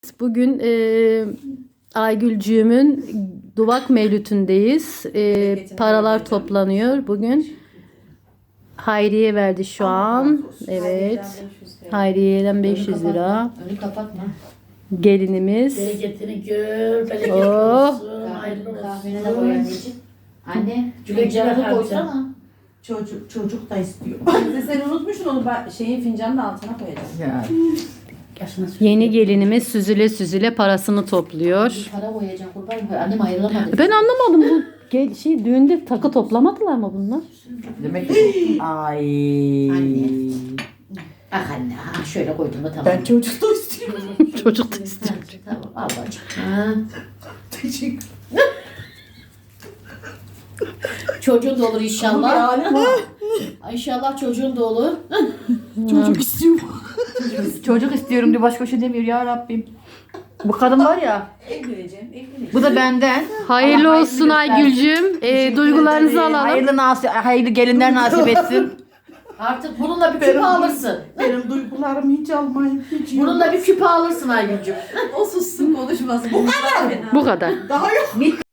Bugün Aygülcüğümün Duvak Mevlüt'ündeyiz. Paralar toplanıyor bugün. Hayriye verdi şu an. Evet. Hayriye'den 500 lira. Önü kapatma. Gelinimiz. Bereketini gör, bereketli Oh. olsun, hayırlı Kahvene de koy olsun. anneciğim. Anne, Güle güle fincanı harca. koysana. Çocuk da istiyor. Sen unutmuşsun onu şeyin fincanın altına koyacağım. Ya. Yaşına sür. Yeni gelinimiz süzüle süzüle parasını topluyor. Bir para koyacağım kurban. Annem ayrılamadı. Ben anlamadım bu düğünde takı toplamadılar mı bunlar? Demek ki ay. Anne. Ah anne, ah şöyle koydum da tamam. Ben çocuk da istiyorum. Çocuk da istiyor. Tamam, al bacım. Ha. Teşekkür. Çocuğun da olur inşallah. Yani İnşallah çocuğun da olur. çocuk istiyorum. Çocuk istiyorum diye başka şey demiyor ya Rabbim. Bu kadın var ya. Evleneceğim. Bu da benden. Hayırlı Allah olsun hayırlı Aygülcüğüm. Duygularınızı alalım. Hayırlı gelinler nasip etsin. Artık bununla bir küpe alırsın. Benim duygularımı hiç almayın. Hiç yok. Bununla bir küpe alırsın Aygülcüm. O sussun konuşmasın. Bu kadar. Bu kadar. Daha yok.